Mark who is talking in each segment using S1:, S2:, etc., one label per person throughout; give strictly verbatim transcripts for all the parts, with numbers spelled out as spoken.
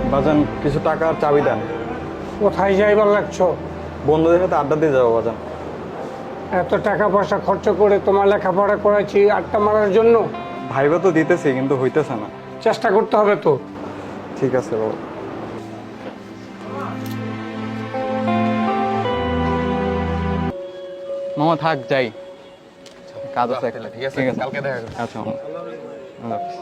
S1: বাজান কিছু টাকা আর চাবি দেন।
S2: কোথায় যাইবার লাগছো?
S1: বন্ধুদের সাথে আড্ডা দিয়ে যাবো বাজান।
S2: এত টাকা পয়সা খরচ করে তোমার লেখাপড়া করাচ্ছি আড্ডা মারার জন্য?
S1: ভাইবা তো দিতেছি কিন্তু হইতেছে না।
S2: চেষ্টা করতে হবে তো।
S1: ঠিক আছে বাবা। মামা থাক যাই, কাজ আছে একটা।
S3: ঠিক আছে, কালকে দেখা করব।
S1: আচ্ছা মামা, আল্লাহ হাফেজ।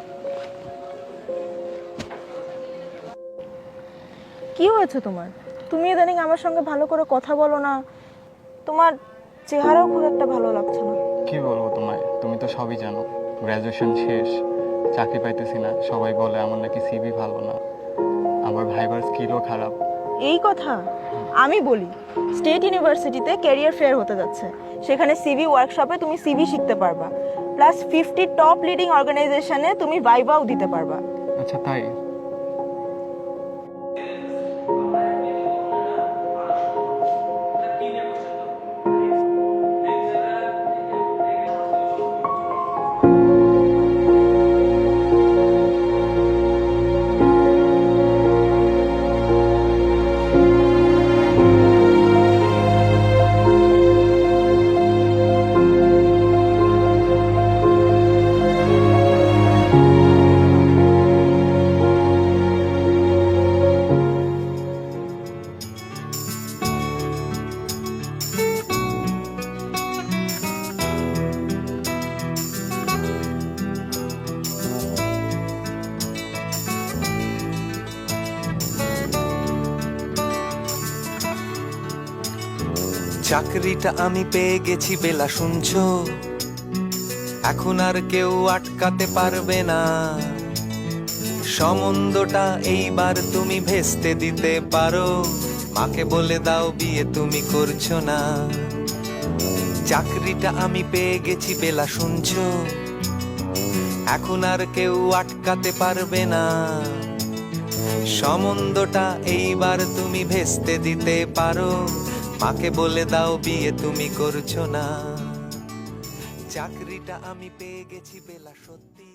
S4: কি হয়েছে তোমার? তুমি ইদানিং আমার সঙ্গে ভালো করে কথা বলো না, তোমার চেহারাও খুব একটা ভালো লাগছে না।
S1: কি বলবো তোমায়, তুমি তো সবই জানো। গ্র্যাজুয়েশন শেষ, চাকরি পাইতেছি না, সবাই বলে আমার নাকি সিভি ভালো না, আবার ভাইবার স্কিলও খারাপ।
S4: এই কথা আমি বলি, স্টেট ইউনিভার্সিটিতে ক্যারিয়ার ফেয়ার হতে যাচ্ছে, সেখানে সিভি ওয়ার্কশপে তুমি সিভি শিখতে পারবা, প্লাস ফিফটি টপ লিডিং অর্গানাইজেশনে তুমি ভাইভাও দিতে পারবা।
S1: আচ্ছা তাই?
S5: চাকরিটা আমি পেয়ে গেছি বেলা, শুনছো? এখন আর কেউ আটকাতে পারবে না, সম্বন্ধটা এইবার তুমি ভেস্তে দিতে পারো, মাকে বলে দাও বিয়ে তুমি করছো না। চাকরিটা আমি পেয়ে গেছি বেলা, শুনছো? এখন আর কেউ আটকাতে পারবে না, সম্বন্ধটা এইবার তুমি ভেস্তে দিতে পারো, মাকে বলে দাও বিয়ে তুমি করছো না। চাকরিটা আমি পেয়ে গেছি বেলা, সত্যি।